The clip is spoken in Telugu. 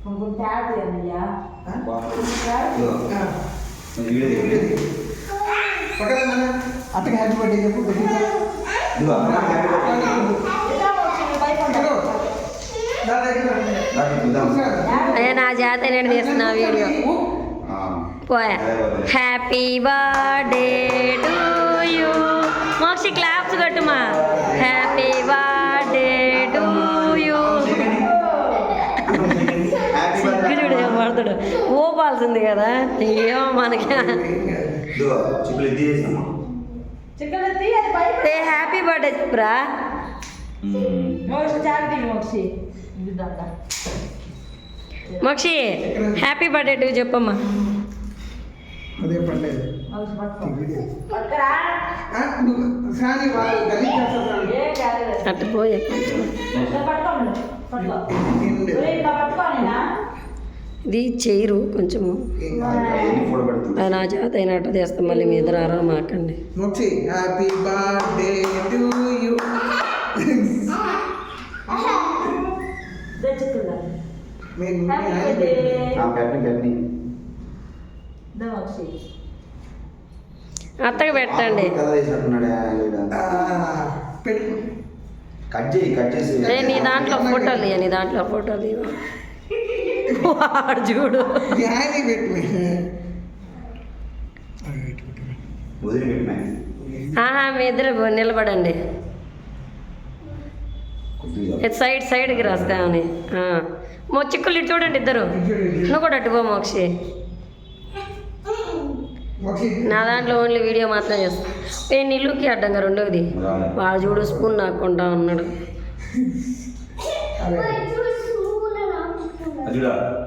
అత్తకి హ్యాపీ బర్త్డే చెప్పు. అదే నా జాత నేను తీస్తున్నా వీడియో పోయా. Happy birthday to you. Mokshi claps కొట్టుమా. Happy birthday to you. చూడు ఏం పడతాడు. ఓపాల్సింది కదా ఏమో మనకి. హ్యాపీ బర్త్డే చెప్పురా. మోక్షి హ్యాపీ బర్త్డే టు చెప్పమ్మా. అదే పర్లేదు. అట్టు పోయే ఇది చేయరు కొంచెము. అది నా చేత అయినట్టు తీస్తాం. మళ్ళీ మీ ఇద్దరు ఆరా మాకండి. Happy birthday to you. అత్తకి పెట్టండి. నీ దాంట్లో ఫోటోలు ఇవ్వ. నీ దాంట్లో ఫోటోలు ఇవ్వ. వాడు చూడు. మీ ఇద్దరు నిలబడండి. సైడ్కి రాస్తామని. చిక్కులు ఇటు చూడండి ఇద్దరు. నువ్వు కూడా అటు పో మోక్షి. నా దాంట్లో ఓన్లీ వీడియో మాత్రం చేస్తాను. నేను ఇల్లుకి అడ్డంగా రెండోది. వాడు చూడు స్పూన్ నాకుంటా ఉన్నాడు.